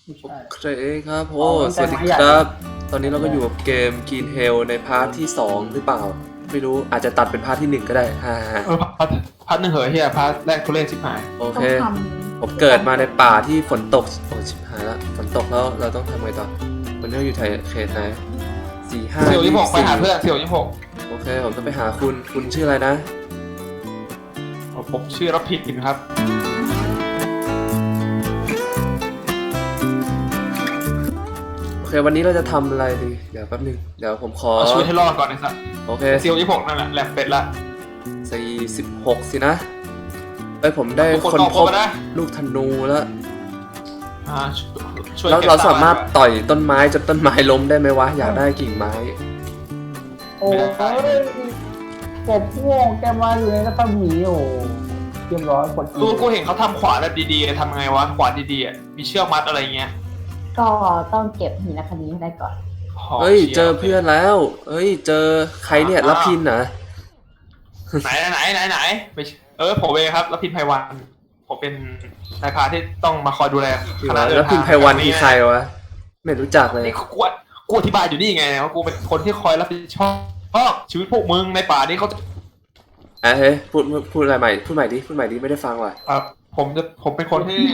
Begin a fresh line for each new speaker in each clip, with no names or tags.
ไม่ใช่
โอเคครับโอ้
อ๋อมัน
สวัสดี
เป็นไม้ใหญ่
ครับ ตอนนี้เราก็อยู่กับเกม Green Hell ในพาร์ทที่ 2 หรือเปล่า ไม่รู้อาจจะตัดเป็นพาร์ทที่ 1 ก็ได้ฮ่า
พัดหนึ่งเหอะเฮียพัดแรกทุเรศชิบหาย
โอ
ต้
เค
องท
ผมเกิดมาในป่าที่ฝนตก โอ้ชิบหายแล้วฝนตกแล้วเราต้องทำไงต่อวันนี้เราอยู่เขตไหน45
เสี่ยวยี่หกไปหา
24
เพื่อนเสี่ยวยี่หก
โอเค ผมจะไปหาคุณชื่ออะไรนะ
ผมชื่อรับผิดครับ
โอเค วันนี้เราจะทำอะไรดี เดี๋ยวแป๊บนึง เดี๋ยวผมขอ
เอาชีวิตให้รอดก่อนไอ้สัส
โอเค
เสี่ยวยี่หกนั่นแหละแหลมเป็ดละ
46สินะเอ้ยผมได้
ทุกคน
คน
ออก
พบ
มานะ
ลูกธนูแล้ว
ช่วย
แล้ว
ก็บ
เราสามารถ
ตังค์
ต่อยต้นไม้จนต้นไม้ล้มได้ไหมวะ อยากได้กิ่งไม้
โอ้ยกบพวกแกมาอยู่ในรัศมีโอ้เรียบร้อยกด
กูเห็นเขาทำขวานแบบดีๆทำไงวะขวานดีๆอ่ะมีเชือกมัดอะไรเงี้ย
ำก็ต้องเก็บหินอัคนีให้ได้ก่อน
เฮ้ย เจอเพื่อนแล้ว เฮ้ย เจอใครเนี่ยรับพินเหรอ
ไหนไม่ใช่ผมเองครับรับพินไพวันผมเป็นนายพรานที่ต้องมาคอยดูแลคณะเดินทาง
รับพินไพวันคือใครวะ ไม่รู้จักเลย
นี่กูอธิบายอยู่นี่ไงว่ากูเป็นคนที่คอยรับผิดชอบชีวิตพวกมึงในป่านี้เขาจะ
เฮ้ยพูดอะไรใหม่ พูดใหม่ดิ ไม่ได้ฟังว่ะ
ผมเป็นคนที่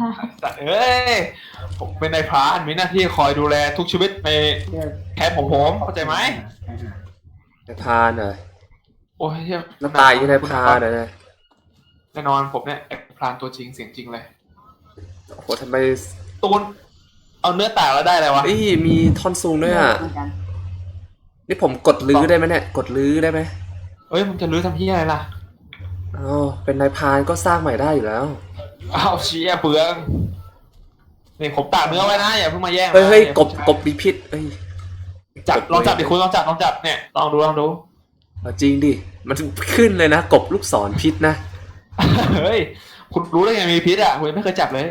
ผมเป็นนายพรานมีหน้าที่คอยดูแลทุกชีวิตในแคมป์ของผมเข้าใจไหม
นายพรานเหรอ
โอ้ยเหี้ย
น้ำตายยังนายพรานเหรอเนี่ย
แน่นอนผมเนี่ยไอ้พรานตัวจริงเสียงจริงเลย
โอ้โหทำไม
ตูนเอาเนื้อแตกแล้วได้อะไรวะ
เอ้ยมีท่อนซุงด้วยอ่ะ
เหมือนกัน
นี่ผมกดลื้อได้ไหมเนี่ย กดลื้อได้ไหม
เอ้ยมึงจะรื้อทำที่อะไรล่ะ
อ๋อเป็นนายพรานก็สร้างใหม่ได้อยู่แล้ว
อ้าวเชี่ยเปลืองนี่ผมตากเนื้อไว้นะอย่าเพิ่งมาแย่งนะ
เฮ้ย
ดี๋ว
ก
ผม
บมีพิษเอ้ย
จับลองจับดิคุณลองจับเนี่ยลองดู
เอาจริงดิ มันขึ้นเลยนะ กบลูกศรพิษนะ
เฮ้ยคุณรู้ได้ไงมีพิษอ่ะคุณยังไม่เคยจับเลย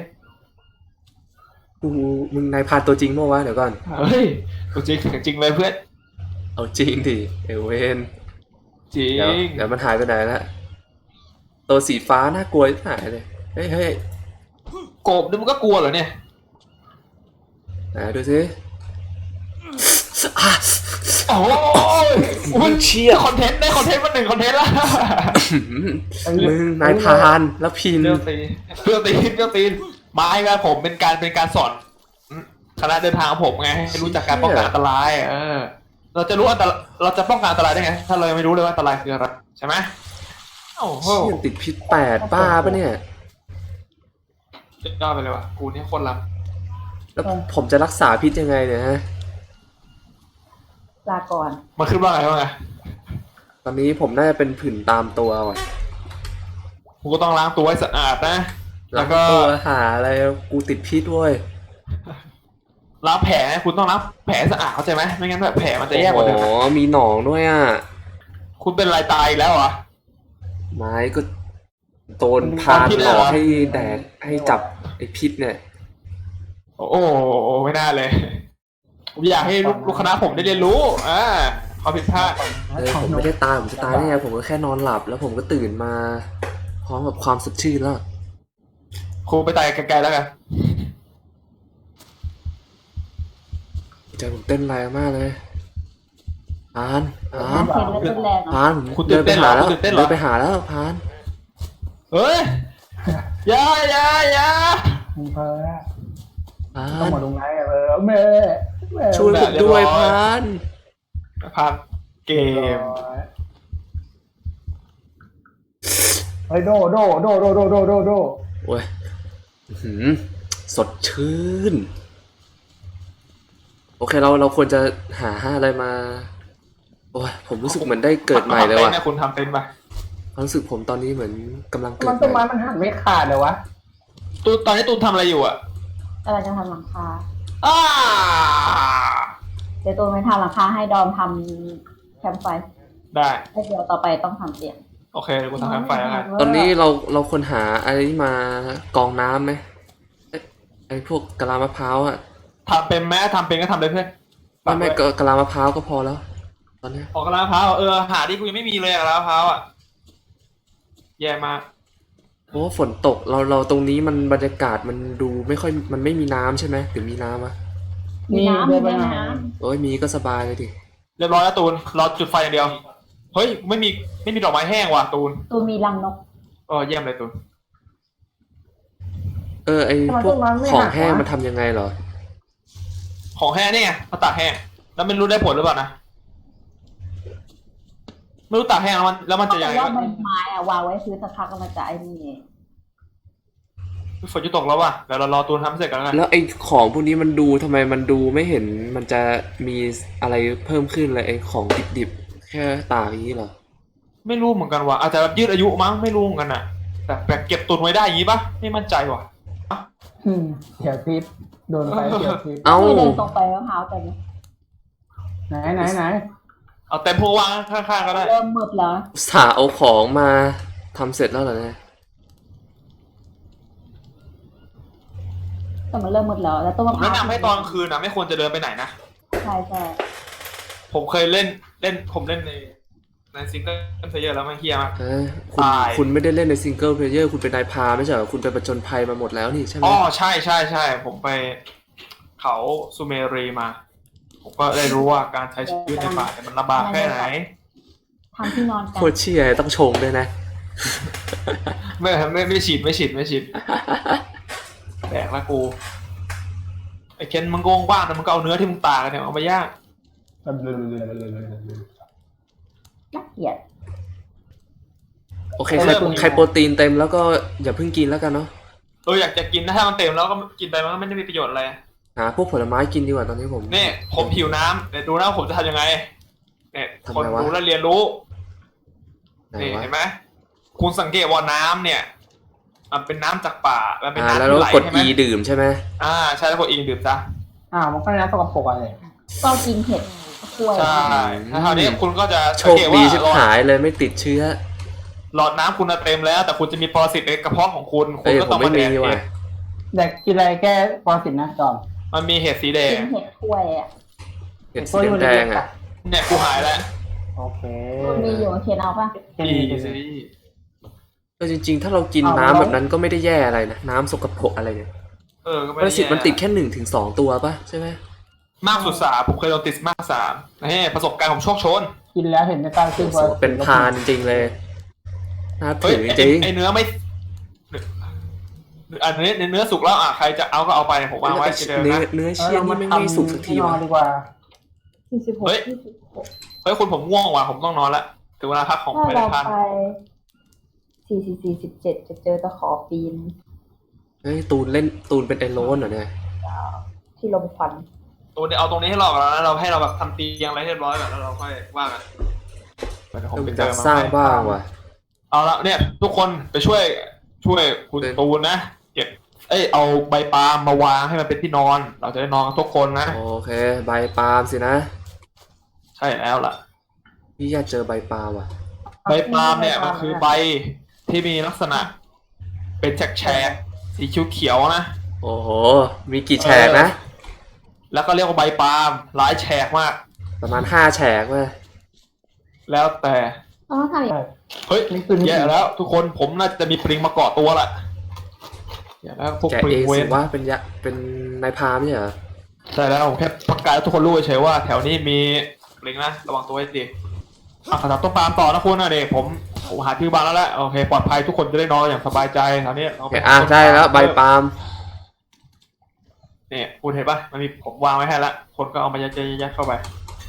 มึงนายพรานตัวจริงเมื่อวะเดี๋ยวก่อน
เฮ้ยตัวจริงจริงเลยเพื่อน
เอาจริงดิเอเวน
จริ
เดี๋ยว
ง
เดี๋ยวมันหายไปไหนละตัวสีฟ้าน่ากลัวที่หายเลย เฮ้ย
กบนี่มันก็กลัวเหรอเนี่ย
ไหนดูสิอ่ะ
โอ้ย
มันเชี่ย
คอนเทนต์ได้คอนเทนต์มา1 คอนเทนต์ละ
มึงนายพรานแล้วพิน
เปรี้ยวตีนไม้ครับผมเป็นการสอนคณะเดินทางของผมไงให้รู้จักการป้องกันอันตรายเราจะรู้เราจะป้องกันอันตรายได้ไงถ้าเรายังไม่รู้เลยว่าอันตรายคืออะไรใช่ไหมโอ้โห
เชี่ยติดพิษ8บ้าปะเนี่ย
สุดยอดไปเลยว่ะกูนี่โคตรลับ
แล้วผมจะรักษาพิษยังไงเนี่ยฮะ
ลาก่อน
มันขึ้นว่าไง
ตอนนี้ผมน่าจะเป็นผื่นตามตัวว่ะ
กูก็ต้องล้างตัวให้สะอาดนะ แล้วก็
ตัวหาอะไรกูติดพิษเว้ย
ล้างแผลคุณต้องล้างแผลให้สะอาดเข้าใจไหมไม่งั้นแบบแผลมันจะแย่กว่าเดิม
อ๋อมีหนองด้วยอ่ะ
คุณเป็นไรตายอีกแล้วเหรอ
ไม้ก็โดนพานหลอกให้แดกให้จับไอ้พิษเนี่ย
โอ้โหไม่น่าเลยผมอยากให้ลูกคณะผมได้เรียนรู้ความผิดพลาด
ผมไม่ได้ตายผมจะตายได้ไงผมก็แค่นอนหลับ แล้วผมก็ตื่นมา พร้อมกับความสดชื่นแล้ว
ครูไปตายไกลๆแล้วกัน
ใจผมเต้นแรงมากเลยพาน
เห็นแล้วเป็นแรง
พานผม
คุณตื่นเต้นเหรอ
แล้ว
คุณตื่นเต้นเหรอ
เดินไปหาแล้วพาน
เฮ้ยอย่า
มึงเพอ
พา
ต้อง
น
มาลงไลน์แม่
ช่วยผมด้วยพาน
พาเกม
เฮ้ยโด
โอ้ยอื้อหือสดชื่น โอเคเราควรจะหาอะไรมา โอ้ยผมรู้สึกเหมือนได้เกิดใหม่เลยว่ะ
คุณทำเป็นปะ
ความรู้สึกผมตอนนี้เหมือนกำลังเกิ
มั
ด
น
ให
ต้นไม้
ม่
มันหันไม่ขาดเลยวะ
ตอนนี้ตูนทำอะไรอยู่อ่ะ
กำลังจะทำหลังคา
อ้า
เดี๋ยวตัวไม่ทำหลังคาให้ดอมทำแคมป์ไฟ
ได้
แล้วเดี๋ยวต่อไปต้องทำเตียง
โอเคเดี๋ยวกูทำแคมป์ไฟแล้วกัน
ตอนนี้เราควรหาอะไรมากรองน้ำไหมไอ้พวกกะลามะพร้าวอะ
ทำเป็นแม้ทำเป็นก็ทำเลยเพื่อน
ไม่กะลามะพร้าวก็พอแล้ว ตอนเนี้ย
ออกกระลามะพร้าวหาดิกูยังไม่มีเลยอะกระลามะพร้าวอ่ะแย่มาก
เพราะว่าฝนตกเราตรงนี้มันบรรยากาศมันดูไม่ค่อยมันไม่มีน้ำใช่ไหมหรือมีน้ำอะ
มีน้ำ
เดิ
มี
นไป
แม่
หน่อย
น้
โอ้ยมีก็สบายเลยดิ
เรียบร้อยแล้วตูนรอจุดไฟอย่างเดียวเฮ้ยไม่มีดอกไม้แห้งว่ะตูน
ำตัวมีรังนก
เยี่ยมเลยตูน
ไอพวกของแห้งมันทำยังไงเหรอ
ของแห้งนี่ไงมาตากแห้งแล้วไม่รู้ได้ผลหรือเปล่านะไม่รู้ตากแห้งแล้วมัน
เขา
จะ
บ
ยั
อง ก
ไง
ว่าใบไม้อะวางไว้พื้นสักพักก็มันจะไอ้นี่
ฝนจะตกแล้วว่ะเดี๋ยวเรารอตูนทำเสร็จกันแล้วกัน
แล้วไอของพวกนี้มันดูทำไมมันดูไม่เห็นมันจะมีอะไรเพิ่มขึ้นเลยไอของดิบๆแค่ตากอย่างนี้เหรอ
ไม่รู้เหมือนกันว่ะอาจจะแบบยืดอายุมั้งไม่รู้เหมือนกันอ่ะแต่แบบเก็บตุนไว้ได้อย่างงี้ปะไม่มั่นใจว่ะ
เสียทิพย์โดนไฟเสียทิพย์
เอ้า
ไม่เดินตรงไปมะพร้าวแต่เนี่ย
ไหน
เอาเต็มพวกวางข้างๆก็ได้
เริ่มมืดแล้ว
อุตสาห์เอาของมาทำเสร็จแล้วเหรอเนี่ย
แต่มันเริ่มมืดแล้วแล้วต้น
ผม
มะพร้าว
แนะนำให้ตอนกลางคืนนะไม่ควรจะเดินไปไหนนะ
ใช่ใช่
ผมเคยเล่นผมเล่นในซิงเกิลเพลเยอร์แล้วมันเฮี้ยมาก
คุณ
ตาย
คุณไม่ได้เล่นในซิงเกิลเพลเยอร์คุณเป็นนายพรานไม่ใช่เหรอคุณไปประจนภัยมาหมดแล้วนี่ใช่ไหม
อ๋อใช่ผมไปเขาซูเมรีมา ผมก็ได้รู้ว่าการใช้ชีวิตในป่าเนี่ยมันลำบากแค่ไหน
ทำที่นอนกั
โคน ตรเชี่ยต้องชงด้วยนะ
ไม่ฉีดแดกละกูไอ้เคนมึงโกงบ้านนะมึงก็เอาเนื้อที่มึงตากกันเนี่ยเอามาย่าง
น่าเกลียด
โอเคใครโปรตีนเต็มแล้วก็อย่าเพิ่งกินแล้วกันเนาะ
อยากจะกินนะถ้ามันเต็มแล้วก็กินไปมันก็ไม่ได้มีประโยชน์อะไร
หาพวกผลไม้กินดีกว่าตอนนี้ผม
นี่ผมหิวน้ำเดี๋ยวดูนะว่าผมจะทำยังไงเนี่ย
ทำ
คน
ไงวะ
ดูแล้วเรียนรู้
ไหน
นี่
วะ
เห็นไหมคุณสังเกตว่าน้ำเนี่ยมันเป็นน้ำจากป่ามันเป็นน้ำ
แล้ว
ที่ไหล
กด
ใช่ไหม
E ดื่มใช่ไหม
ใช่แล้วกดอีดื่มซะ
มันก็น้ำสกปรกอะไร
ก็กินเห็ดกล้วย
ใช่ถ้าคราวนี้คุณก็จะ
โช
สัง
ค
เกต
ดี
ว่า
ชิบหายเลยไม่ติดเชื้อ
หลอดน้ำคุณน่ะเต็มแล้ว แต่คุณจะมีปรสิตในกระเพาะของคุณคุ
เอ้
ณ
ย
ก็
ผ
ต้อ
ม
ง
ไม่
มาแด
มี
กเอ
ว่ะ
ง
เด็กกินอะไรแก้ปรสิตนะจอม
มันมีเห็ดสีแด
กิ
ง
นเห็ดกล้วยอ่ะ
เห็ดสีแดงๆอ่ะ
เนี่ยกูหายแล้ว
โอเค
มันมีอยู่เคนเอาป่ะ
อีสิ
ก็จริงๆ ถ้าเรากินน้ำแบบนั้นก็ไม่ได้แย่อะไรนะน้ำสกปรกอะไรเนี่ย
ก็ไม่
ปร
ได้
สิต
แย่
มันติดแค่1 ถึง 2ตัวป่ะใช่ไหม
มากสุด3ผมเคยโดนติดมาก3นี่ประสบการณ์ผมโชคโชน
กินแล้วเห็นในการขึ้น
โอ้โหเป็นพรานจริงๆเลยน่า
เฮ้
ถื
ย
อจริง
ไอเนื้อไม่อันนี้เนื้อสุกแล้วใครจะเอาก็เอาไปผมวางไว้ที่เดิม
เนื้อ
นะ
เนื้อเชี่ยนี่ไม่สุกสักทีวะ
ดีกว่า
46
เฮ้ย
26
เฮ้ยคุณผมง่วงว่ะผมต้องนอนละถึงเวลาพักของ
ถ้า
ไป
เรา
พัน
ไป44 47จะเจอตะขอปีน
เฮ้ยตูนเป็นไอโรนเหรอเนี่ย
ที่ลมควัน
ตัวเดี๋ยวเอาตรงนี้ให้เราก่อนแล้วเราให้เราแบบทำเตียงอะไรให้เรียบร้อยก่อนแล้วเราค่อยว่ากันเดี๋ยวผม
ต้อง
ไป
อ
เจ
ยา
อก มา
สร้าง
ให้
บ้างว่ะ
เอาละเนี่ยทุกคนไปช่วยคุณ
เป็น
ตูนนะเก็บเอาใบปาล์มมาวางให้มันเป็นที่นอน เราจะได้นอนกันทุกคนนะ
โอเคใบปาล์มสินะ
ใช่แล้วล่ะ
พี่อยากเจอใบปาล์มว่ะ
ใบปาล์มเนี่ยมันคือใบที่มีลักษณะ เป็นแฉกๆสีเขียวๆนะ
โอ้โหมีกี่แฉกนะ
แล้วก็เรียกว่าใบปาล์มหลายแฉกมาก
ประมาณ5 แฉกเว้ย
แล้วแต่
ต้องทำอีก
เฮ้ยแย่แล้ว ทุกคนผมน่าจะมีปริงมาเกาะตัวละแย่แล้วพวก
แกะ
ปริ
เอง ง
เว
สิ
น
ว่าเป็นนายพรานไม่ใช่เหรอ
ใช่แล้วผมแค่ประกาศให้ทุกคนรู้เฉยๆว่าแถวนี้มีปริงนะระวังตัวให้ดีขนาดต้นปาล์มต่อนะคุณนะเด็กผมหาที่บ้านแล้วแหละโอเคปลอดภัยทุกคนจะได้นอนอย่างสบายใจแถวนี้เรา
โอเคได้แล้วใบปาล์ม
เนี่ยคุณเห็นปะมันมีผมวางไว้ให้ละคนก็เอามายัดเข้าไป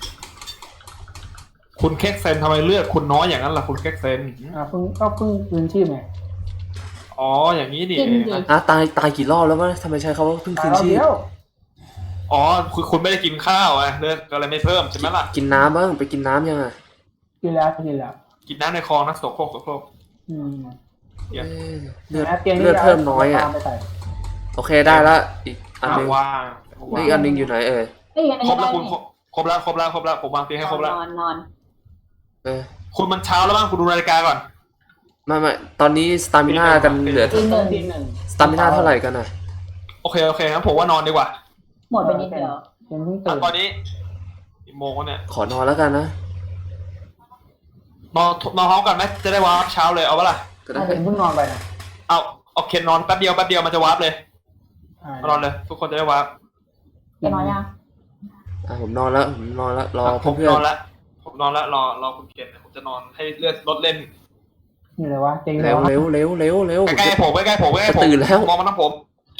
คุณเค้กเซนทำไมเลือกคุณน้อยอย่างนั้นล่ะคุณเค้กเซน
เพิ่งคืนชีพไง
อ๋ออย่างนี้นี่
กิน
เอง
ดิ
นะ
ตายกี่รอบแล้ววะทำไมใช้คำว่าเพิ่งคืนชีพ
เดียว
อ๋อคุณไม่ได้กินข้าวไงเลือดก็เลยไม่เพิ่มใช่ไหมล่ะ
กินน้ำบ้างไปกินน้ำยังอ่ะ
กินแล้ว
กินน้ำในคลองนะโสโครก
เอ้ยเลือด
ตียง
เลือดเพิ่มน้อยอ่ะ
ไปใส่
โอเคได้ละอีกอันหนึง
ว่าง
อีกอันหนึงอยู่ไหนเอ่ย
ไม่อย่าง
คร
นี้
บแล้ว
ได้
คุณครบแล้วผมวางเตียงให้ครบแล้ว
นอน
เออ
คุณมันเช้าแล้วบ้างคุณดูนาฬิกาก่อน
ไม่ตอนนี้สตามิน่ากันเหลือ
ตีหนึ่ง
ตีหนึ่ง
สตามิน่าเท่าไหร่กันอ่ะ
โอเคงั้นผมว่านอนดีกว่า
หมดไปนิดเดียว
ยังเพิ่งตื่น
ตอนนี้กี่โมงวะเนี่ย
ขอนอนแล้วกันนะ
นอนพร้อมกันไหมจะได้วางเช้าเลยเอาปะล่ะ
ก็ได้
เพิ่งนอนไปนะ
เอาเคนนอนแป๊บเดียวมันจะวาร์ปเลยนอนเลย ทุกคนจะได้วาร์ป
จะนอนยัง
ผมนอนแล้วรอ
ผม
เพื่อน
นอนแล้วรอคุณเคนผมจะนอนให้เลือดลดเล่น
นี่เลยวะเจ๋งเล
เร็
ยว วะ
เร็วเร็วเร็วเร็ว
ใกล้ๆผม
จะตื่นแล้ว
มองมาทั้งผม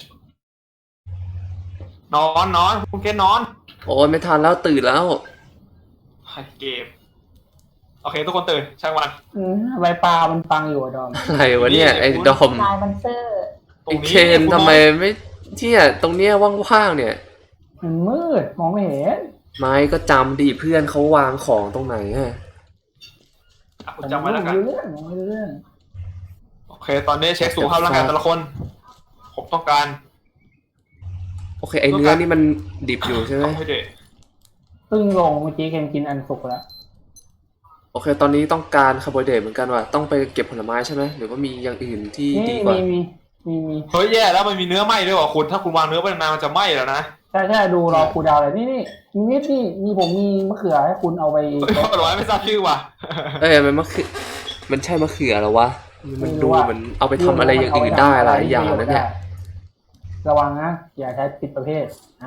นอนคุณเคนนอน
โอ้ยไม่ทันแล้วตื่นแล้ว
เกมโอเคทุกคนตื่นช่างมัน
ใบปลามันฟังอยู่อะดอม
อะไรวะเนี่ยไอ้ดอม
นายบันเซอร์
ตร
ไอ้
งนี้
เคนทำไมไม่เนี่ยตรงเนี้ยว่างๆเนี่ย
มันมืดมองไม่เห็น
ไม้ก็จำดิเพื่อนเขาวางของตรงไหนอะ
คุณจำไว้แล้วกัน
มองไม่รู้เรื่องมองไม่รู้เรื่อง
โอเค ตอนนี้เช็คสุขภาพร่างกายแต่ละคน ผมต้องการ
โอเคไอ้เนื้อนี่มันดิบอยู่ใช่ไหม
คาร์โบไฮเดรต
ซึ่งลงเมื่อกี้เคนกินอันสุกแล้ว
โอเคตอนนี้ต้องการคาร์โบไฮเดรตเหมือนกันว่ะต้องไปเก็บผลไม้ใช่ไหมหรือว่ามีอย่างอื่นที่
นี่
ดีกว่า
มี
เฮ้ยแย่แล้วมันมีเนื้อไหม้ด้วยว่ะคุณถ้าคุณวางเนื้อไว้นานมันจะไหม้แล้วนะ
ใช่ดูรอครูดาวเลยนี่มีผมมีมะเขือให้คุณเอาไป
ผลไม้ไม่ทราบชื่อว่ะ
เอ้ยมันใช่มะเขือเหรอวะมันดู
ไม่รู้อะ
มันเอาไปทำอะไรอย่างอื่นได้หลายอย่างนะเนี่ย
ระวังนะอย่าใช้ผิดประเภทนะ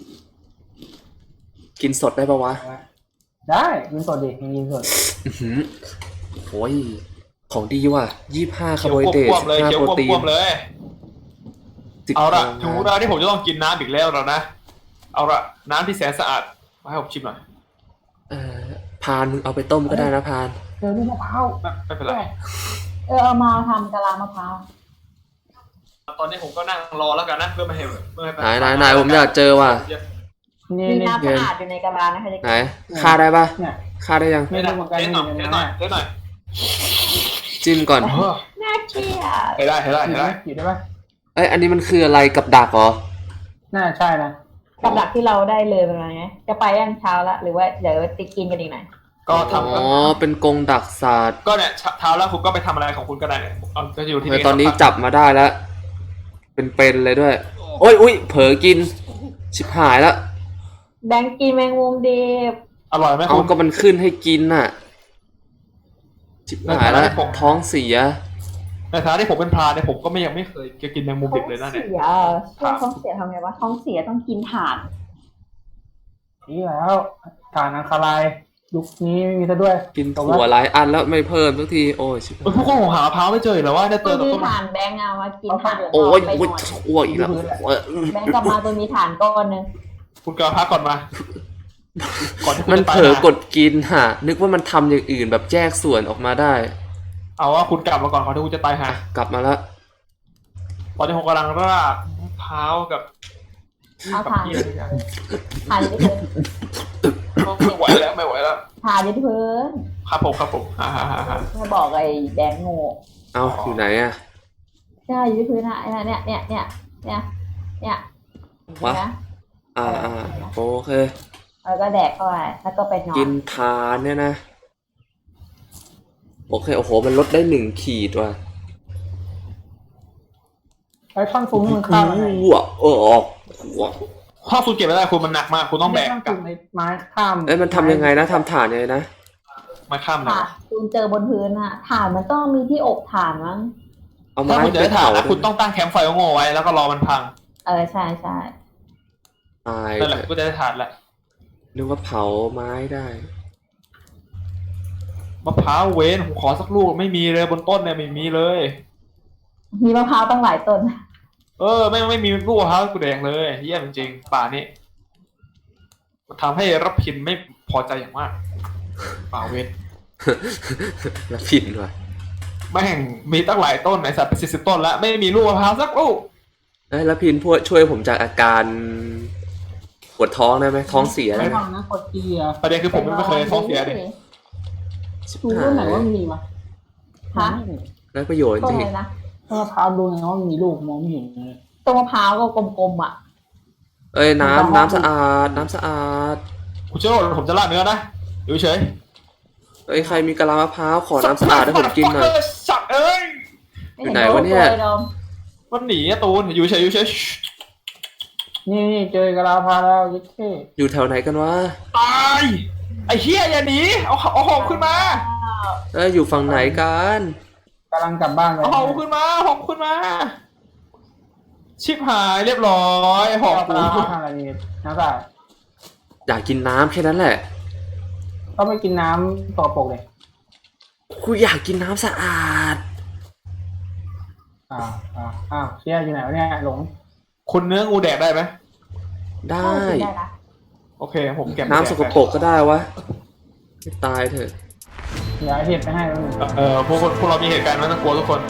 กินสดได้ปะวะ
ได้กินสดดิกินสด
อื้อหือโอ้ยของดีว่ะ25คาร์โบไฮเดรต
ควบเลย
15
เขียว
โปรตี
ควบ
น
เลย
10
เอาละ
กรัม
ถึงเวลาที่ผมจะต้องกินน้ำอีกแล้วแล้วนะ เอาละน้ำที่แสนสะอาดมาให้ผมชิมหน่อย
พานมึงเอาไปต้มก็ได้นะพาน
เจอลูกมะพร้าว
ไม่เป็นไร
เอามาทำกะลามะพร้าว
ตอนนี้ผมก็นั่งรอแล้วกันนะเพื่อไม่ให้
ไหนผมอยากเจอว่ะ
นี่
มี
นี่
น้ำสะอาดอยู่ในกะลานะคะจะ
ไหนฆ่าได้ปะ
เนี่ย
ฆ่าได้ยัง
ไม่รู้เหมือนกัน
เทสหน่อยเทสหน่อยเทสหน่อย
จิ้มก่อน
น่าเกลียด
ให้ได้
อยู่ได้ปะ
เอ้ยอันนี้มันคืออะไรกับดักเหรอ
น่าใช่นะ
กับดักที่เราได้เลยเป็นไงจะไปยังเช้าละหรือว่าเดี๋ยวติกินกันอีกหน่อย
ก็
อ๋
ทำ
อเป็นกรงดักสัตว์
ก็เนี่ยเท้าแล้วคุณก็ไปทำอะไรของคุณก็ได้เนี่ยก็อยู่ที่
เฮ้ยตอนนี้จับมาได้แล้วเป็นเลยด้วยโอ้ยอุ้ยเผลอกินชิบหายแล้ว
แบงกินแมงมุมดิบ
อร่อยไหม
เอา
คุณ
ก็มันขึ้นให้กินน่ะชิบหายแล้ว
ในฐานะที่ผม
ท้องเสีย
ในฐานะที่ผมเป็นพรานเนี่ยผมก็ยังไม่เคยกินแมงมุมดิบเลยนะเนี่ย
ท้องเสียทำไงวะท้องเสียต้องกินถ่าน
นี่แล้วฐานอังคารายยุคนี้ไม่มีซะด้วย
กินถั่วหลายอันแล้วไม่เพิ่มสักทีโอ้ยชิบ
พวกผมหามะพร้าวไม่เจอเหรอว่าเนี่ยเจ
ตัว
อแต่
มี
ต้น
ถ่านแบงเอามากินถ่าน
โอ้ย
ไปห
อุ้ย
น่อย
อ้วกอีกแล้ว
แบงกลับมาตัวมีถ่านก้อนนึง
คุณกระพักก่อนมาก่อนที่คุณ
มัน
จะตาย
เผลอกดกินฮะนึกว่ามันทำอย่างอื่นแบบแยกส่วนออกมาได้
เอาว่าคุณกลับมาก่อนก่อนที่คุณจะตายหา
กลับมาแล้ว
ตอนนี้ผมกำลังรากมะพร้าวกับ
เอาถ่านถ่านอยืดพื้น
ไม่ไหวแล้ว
ถ่านอยืดพื้น
ครับผมฮ่า
ไม่บอกไอ้แบงโง่
เอาอยู่ไหนอะ
ใช่อยืดพื้นอะเนี่ย
วะ
นะ
โอเค
แล้วก็แดกเข้าไปแล้วก็ไปนอน
กินทานเนี่ยนะ โอเค โอ้โห มันลดได้1 ขีดว่ะ
ไอ้ท่อนซุ้มมันข้ามอะไร
หัวออกหัว
ถ้าคุณเก็บไม่ได้คุณมันหนักมากคุณต้องแบก
ท่อน
กลั
ซุ้
บ
มไม้ข้าม
เอ้ยมันทำยังไงนะทำฐานยังไงนะ
มาข้ามนะ
ถ่านคุณเจอบนพื้นอะถ่านมันต้องมีที่อบถ่านมั้ง
เอา
ถ้า
ไม้
คุณจะ
ไป
ได้ถ่า
เผาน
นะคุณต้องตั้งแคมป์ไฟโง่ไว้แล้วก็รอมันพัง
ใช่
ตาย
นั่นแหละก็จะได้ถ่านแหละ
นึกว่าเผาไม้ได้
มะพร้าวเว้นผมขอสักลูกไม่มีเลยบนต้นเนี่ยไม่มีเลย
มีมะพร้าวตั้งหลายต้น
ไม่มีลูกมะพร้าวกูแดงเลยเยี่ยมจริงๆป่านี้ทำให้รับพินไม่พอใจอย่างมากป่าเว้น
แล้วผิดว่ะ
แม่งมีตั้งหลายต้นไอสัตว์เป็น40 ต้นแล้วไม่มีลูกมะพร้าวสักลูก
เอ้ยแล้วพินพวกช่วยผมจากอาการปวดท้องได้ไหมท้องเสียได้
ไม่
ไหม
ฟังนะกดเกียร์
ประเด็นคือผมไม่เคยท้องเสียดิ
ชิบ
ดู
หา
รุ่นไหน
ย
ว่ามีวะ
ฮะ
ได้ประโยชน์
ต้
จ
น
ริง
อะไรนะ
มะพร้าวดูไงว่ามีลูกมองไม่เห็นเลย
ต้นมะพร้าวก็กลมๆอ่ะ
เอ้ยน้ำสะอาดน้ำสะอาด
คุณเชื่อว่าผมจะลาดเนื้อนะอยู่เฉย
เอ้ยใครมีกะลามะพร้าวขอน้ำสะอาดให้ผมกินหน่อย
สัตว์เอ้ย
ไม่เห็น
ไหนวะเนี่ย
โดม
มันหนีอะตูนอยู่เฉย
นี่เจอกะลาพาแล้วยิ่เท่
อยู่แถวไหนกันวะ
ตายไอ้เหี้ยอย่าหนีเอาหอบขึ้นมา
เอ้ยอยู่ฝั่งไหนกัน
กำลังกลับบ้านไป
เอาหอมขึ้นมาหอมขึ้นมา ชิบหายเรียบร้อยหอม
เอา
กู
ปลาทางอะไรนี่น้ำสะอาด
อยากกินน้ำแค่นั้นแหละ
ก็ไปกินน้ำสกปรกเลย
กูอยากกินน้ำสะอาด
เชี่ยอยู่ไหนวะเนี่ยหลง
คุณเนื้องูแดกได้ไหม
ได้
ได้นะ
โอเคผมเก็บ
น้ำสกปรกก็ได้วะให้ตายเถอะ
เดี๋ยวไอ้เห็ดไปให้แล้วมึง
พวกเรามีเหตุการณ์ไม่ต้องกลัวทุกคน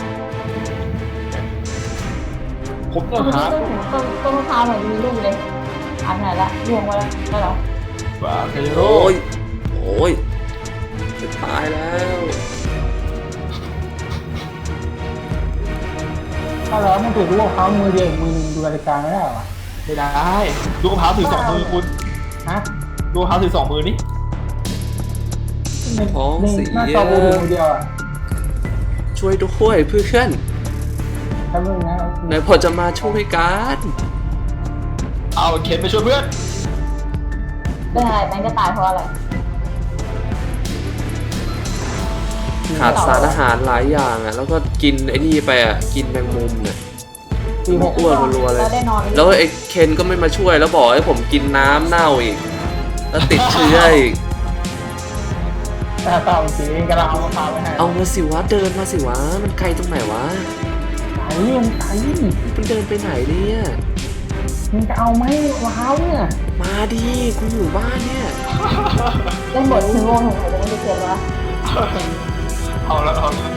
ผมต้องหา
ต้นมะพร้าวหน่อยมีลูกเลยอันไหนละรวงไว้แล้วได้เหรอ
บ้าเกยโร่
โอ้ย โอ้ย จะตายแล้ว
ถ้าเราไม่ถือลูกเขามือเดียวมือนึงดูรายการไม่ได้หรอ
ไม่ได้ลูกมะพร้าวถือสองมือคุณ
ฮะ
ลูกมะพร้าวถือสองมือนี่
ท้องเสีย
หน้าจอมือถือมือเดียวอ่ะ
ช่วยด้วยเพื่อน
ถ้ามึงนะ
ไหนพอจะมาช่วยกัน
เอาเข็นไปช่วยเพื่อน
เป็นอะไรแม่งจะตายเพราะอะไร
ขาดสารอาหารหลายอย่างอ่ะ แล้วก็กินไอ้นี่ไปอ่ะ กินแมงมุมเนี่ย
ปีหก
อ้วนรัวๆเลย
แล้วได้นอน
แล้วไอ้เคนก็ไม่มาช่วยแล้วบอกให้ผมกินน้ำเน่าอีก แล้วติดเชื้ออีก
แต่ต่อจริงกำลังเอามะพร้าวไปให้
เอามาสิวะ เดินมาสิวะ มันไกลตรงไหนวะ
ไหนมึงไหน
มึงเดินไปไหนเนี่ย
มึงจะเอาไหมมะพร้าวเนี่ย
มาดิกูอยู่บ้านเนี่ย
เล่นบทถึงวงของใครจะไม่ได้เขียนวะ
เอาแล้ว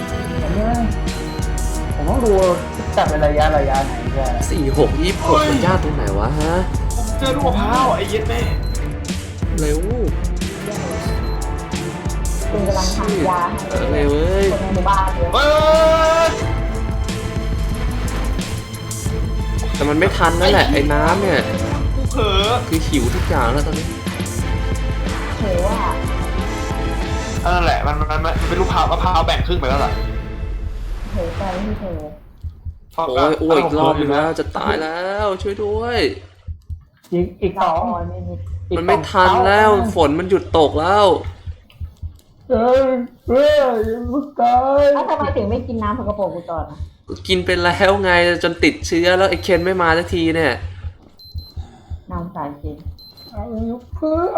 ผมต้องดูจับเป็นระยะไหนเนี่ย
46 26มันยากตรงไหนวะฮะ
เจอลูกมะพร้าวไอ้เย็ดแม่
เร็ว
คุณกำลังทำยาให้
เร็วเว้ย
คนในหมู่บ้านเยอะ
เฮ้ย
แต่มันไม่ทันนั่นแหละไอ้น้ำเนี่ย
กูเผลอ
คือหิวทุกอย่างแล้วตอนนี้
เห็นว่า
นั่นแหละมันเป็นลูกมะพร้าวแบ่งครึ่งไปแล้วล่ะ
เห็นใจที่เธอ
โอ้ยอ้วกอีกรอบนึงแล้วจะตายแล้วช่วยด้วย
อีกส
เรา
อง
คอยไม่มี
มันไม่ทันแล้วฝนมันหยุดตกแล้ว
ลูกตาย
แล้วทำไมถึงไม่กินน้ำสกปรกกูก่อนอ่ะ
ก็กินไปแล้วไงจนติดเชื้อแล้วไอ้เคนไม่มาสักทีเนี่ย
น้ำสายจริง
เอาเพื่อน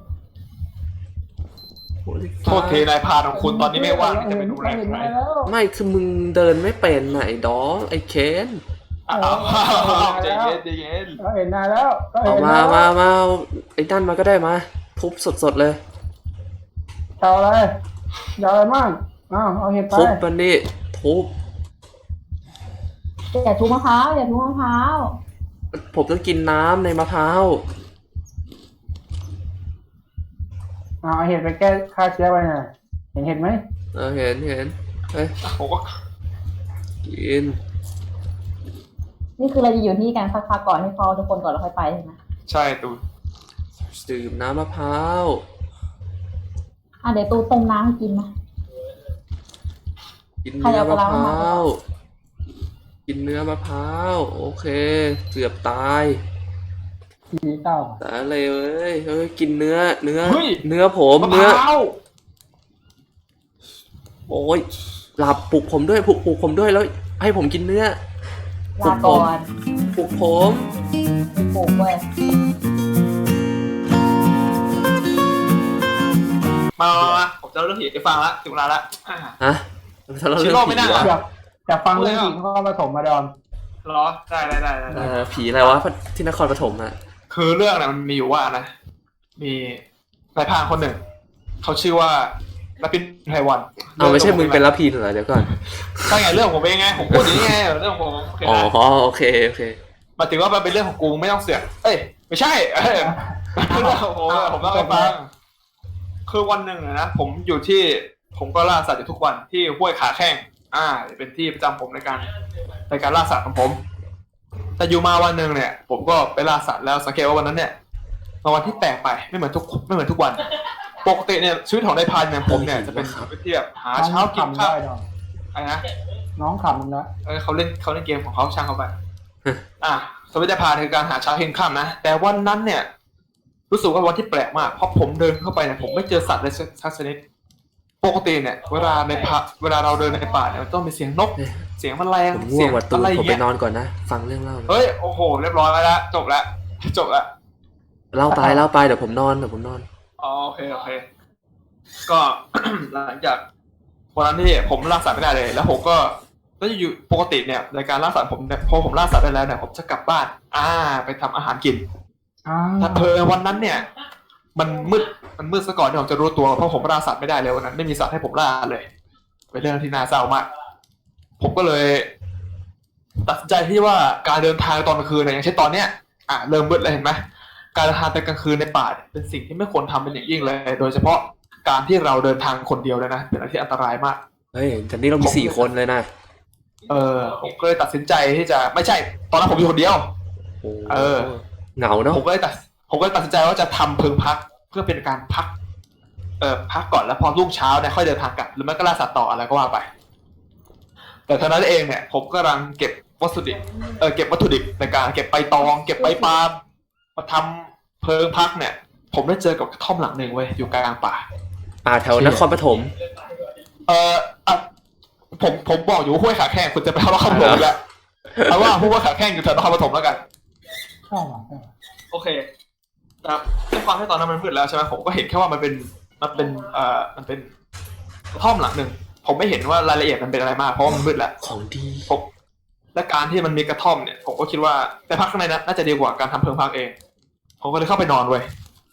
โทษทีนายพานของคุณตอนนี้ไม่ว่างที่จะไปดูแลใคร
ไม่คือมึงเดินไม่เป็นไหนดอไอ้เคน
อ้าวใจเย็นใจเย็น
เราเห็นนานแล้ว
เอามาเอาไอ้นั่นมาก็ได้มาทุบสดๆเลย
เอาอะไรยาวอะไรมากเอาเห็ดไป
ทุบมันนี่ทุบ
อย่าทุบมะพร้าวอย่าทุบมะพร้าว
ผมต้องกินน้ำในมะพร้าว
เอาเห็ดไปแก้ฆ่าเชื้อไปหน่อยเห็นเห็ดไหม
เห็นเฮ้ย
ผมก็
กิน
นี่คือเราจะอยู่ที่กันสักพักก่อนให้พอทุกคนก่อนแล้วค่อยไปใช่ไหม
ใช่ตูน
ดื่มน้ำมะพร้าว
เดี๋ยวตูต้มน้ำให้กินนะ
กินเนื้อมะพร้าวกินเนื้อมะพร้าวโอเคเกือบตาย
สีเต้า
แต่อะไรเฮ้ยกินเนื้อ
เฮ้ย
เนื้อผม
มะพ
เนื้อ
ร้าว
โอ้ยหลับปลุกผมด้วยปลุกผมด้วยแล้วให้ผมกินเนื้อ
ลาก่อน
ปลุกผม
ปลูกเว้ย
มาผมจะเล่าเรื่องผีให้ฟังละถึงเวลาละ
ฮะถ้าเรา
ชิ
เรื่อง
โร่ไม่
ผี
น่า
วะ
อยากฟังเรื่องจริงเขาผสมมาดอน
เหรอได้
ผีอะไรวะที่นครปฐมอะ
คือเรื่องน่ะมันมีอยู่ว่านะ มีนายพรานคนหนึ่ง เขาชื่อว่าลาปินไพวัน
เอาไม่ใช่มึงเป็นรับพีเหรอเดี๋ยวก่อน
ใช่ไงเรื่องผมเองไงผมพูดอย่างนี้ไงเรื่องของผมโอเค
อ๋อ
นะ
โอเค
หมายถึงว่ามันเป็นเรื่องของกูไม่ต้องเสือกเอ้ยไม่ใช่เรื่องของผมเล่าให้ฟังคือวันหนึ่งนะผมอยู่ที่ผมก็ล่าสัตว์อยู่ทุกวันที่ห้วยขาแข้งเป็นที่ประจำผมในการล่าสัตว์ของผม แต่อยู่มาวันหนึ่งเนี่ย ผมก็ไปล่าสัตว์แล้วสังเกตว่าวันนั้นเนี่ยเป็นวันที่แปลกไปไม่เหมือนทุกวันปกติเนี่ยชีวิตของนายพรานเนี่ยผมเนี่ยจะเป็นชีวิตที่แบบหาเช้ากินข้าว
ได้ดอน
อะไรนะ
น้องขำมึงนะ
เขาเล่นเกมของเขาช่างเขาไป สวิตพาคือการหาเช้าเห็นค่ำนะแต่วันนั้นเนี่ยรู้สึกว่าวันที่แปลกมากเพราะผมเดินเข้าไปเนี่ยผมไม่เจอสัตว์เลยสักชนิดปกติเนี่ยเวลาเราเดินในป่าเนี่ยมันต้องมีเสียงนก เสียงแมลง
ผมง่
เสี
วย ง
ง
ว่ะตู
อะไรอ
ผ
ย่าม ง
ไป
เงี้ย
นอนก่อนนะ ฟังเรื่องเล่า
เฮ้ยโอ้โหเรียบร้อยแล้วจบแล้ว
เล่าไปเดี๋ยวผมนอน
อ๋อโอเคก็ หลังจากวันนั้นที่ผมล่าสัตว์ไม่ได้เลยแล้วผมก็อยู่ปกติเนี่ยในการล่าสัตว์ผมเนี่ยพอผมล่าสัตว์ได้แล้วเนี่ยผมจะกลับบ้านไปทำอาหารกิน ถ้าเพอวันนั้นเนี่ยมันมืดซะก่อนที่ผมจะรู้ตัวเพราะผมล่าสัตว์ไม่ได้เลยวันนั้นไม่มีสัตว์ให้ผมล่าเลยเป็นเรื่องที่น่าเศร้ามากผมก็เลยตัดสินใจที่ว่าการเดินทางตอนกลางคืนเนี่ยอย่างเช่นตอนเนี้ยเริ่มมืดแล้วเห็นไหมการเดินทางไปกลางคืนในป่าเป็นสิ่งที่ไม่ควรทำเป็นอย่างยิ่งเลย โดยเฉพาะการที่เราเดินทางคนเดียวเลยนะเป็นอะไรที่อันตรายมาก
เฮ้ยแต่นี่เรามี4 คนเลยนะ
ผมก็เลยตัดสินใจที่จะไม่ใช่ตอนนั้นผมอยู่คนเดียว
เหงาเนาะ
ผมก็เลยตัดสินใจว่าจะทำเพิงพักเพื่อเป็นการพักพักก่อนแล้วพอรุ่งเช้าเนี่ยค่อยเดินทางกลับหรือไม่ก็ล่าสัตว์ต่ออะไรก็ว่าไป แต่เท่านั้นเองเนี่ยผมกำลังเก็บวัตถุดิบในการเก็บใบตองเก็บใบปาล์มมาทำเพิงพักเนี่ย ผมได้เจอกับกระท่อมหลังหนึ่งเว้ยอยู่กลางป่า
แถวนครปฐม
ผมบอกอยู่ห้วยขาแข้งคุณจะไปเอานครปฐมแล้วเอาว่าห้วยขาแข้งอยู่แถวนครปฐมแล้วกัน
ใช่หรอ
โอเคครับด้วยความที่ตอนนั้นมันมืดแล้วใช่ไหมผมก็เห็นแค่ว่ามันเป็นกระท่อมหลังหนึ่งผมไม่เห็นว่ารายละเอียดมันเป็นอะไรมากเพราะว่ามันมืดแล้ว
ของดี
และการที่มันมีกระท่อมเนี่ยผมก็คิดว่าไปพักข้างในน่าจะดีกว่าการทำเพิงพักเองผมก็เลยเข้าไปนอนเว้ย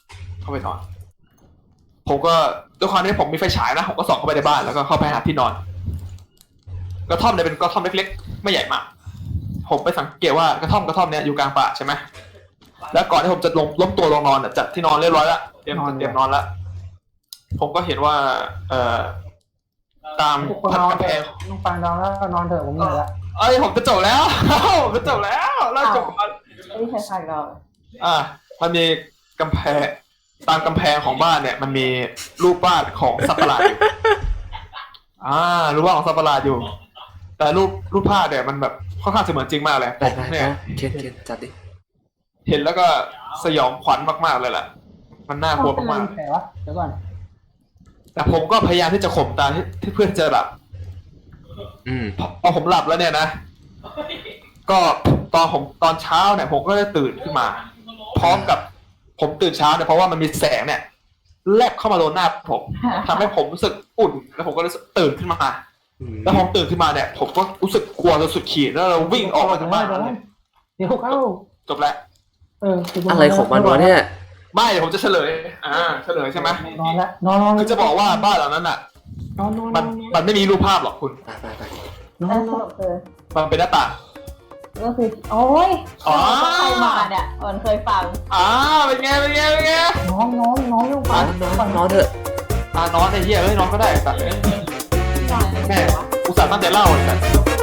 ผมก็ด้วยความที่ผมมีไฟฉายนะผมก็ส่องเข้าไปในบ้านแล้วก็เข้าไปหาที่นอนกระท่อมเนี่ยเป็นกระท่อมเล็กๆไม่ใหญ่มากผมไปสังเกตว่ากระท่อมเนี่ยอยู่กลางป่าใช่ไหมแล้วก่อนที่ผมจะล้มตัวลงนอนจัดที่นอนเรียบร้อยแล้วเตรียมนอนแล้วผมก็เห็นว่าตาม
นอนแกต้องฟังนอนแล้วนอนเถอะผมเหนื่อยละ
ผมจะจบแล้วแล้วจบก่อน
ไม่ใช่ใครเรา
มันมีกำแพงตามกำแพงของบ้านเนี่ยมันมีรูปวาดของสัตว์ประหลาดอยู่รูปวาดของสัตว์ประหลาดอยู่ แต่รูปภาพเนี่ยมันแบบค่อนข้างจะเหมือนจริงมากเลย
ได้
เนี่ย
เคนจัดดิ
เห็นแล้วก็สยองขวัญมากๆเลยแหละมันน่ากลัวมาก
แผลวะเดี๋ยวก่อน
ๆแต่ผมก็พยายามที่จะข่มตาที่เพื่อนจะหลับพอผมหลับแล้วเนี่ยนะก็ตอนเช้าเนี่ยผมก็ได้ตื่นขึ้นมาพร้อมกับผมตื่นเช้าเนี่ยเพราะว่ามันมีแสงเนี่ยแลบเข้ามาโดนหน้าผมทำให้ผมรู้สึกอุ่นแล้วผมก็เลยตื่นขึ้นมาแล้วผมตื่นขึ้นมาเนี่ยผมก็รู้สึกกลัวจนสุดขีดแล้วเราวิ่งออกมาจากบ้าน
เดี๋ยวเข้า
จบแล้ว
อะไรของมันวะเนี่ย
ไม่เดี๋ยวผมจะเฉลยใช่ไหม
นอนละนอน
คือจะบอกว่าบ้านหลังนั้นอ่ะมันไม่มีรูปภาพหรอกคุณ
ไป
นอน
มันเป็นหน้าต่าง
ก็คือโอ้ยใครมาเนี่ยมันเคยฟัง
เป็นไง
นอนลูก
นอนเถอะ
นอนไอ้เหี้ยนอนก็ได้แต่แม่อุตส่าห์ตั้งใจเล่าเลยแต่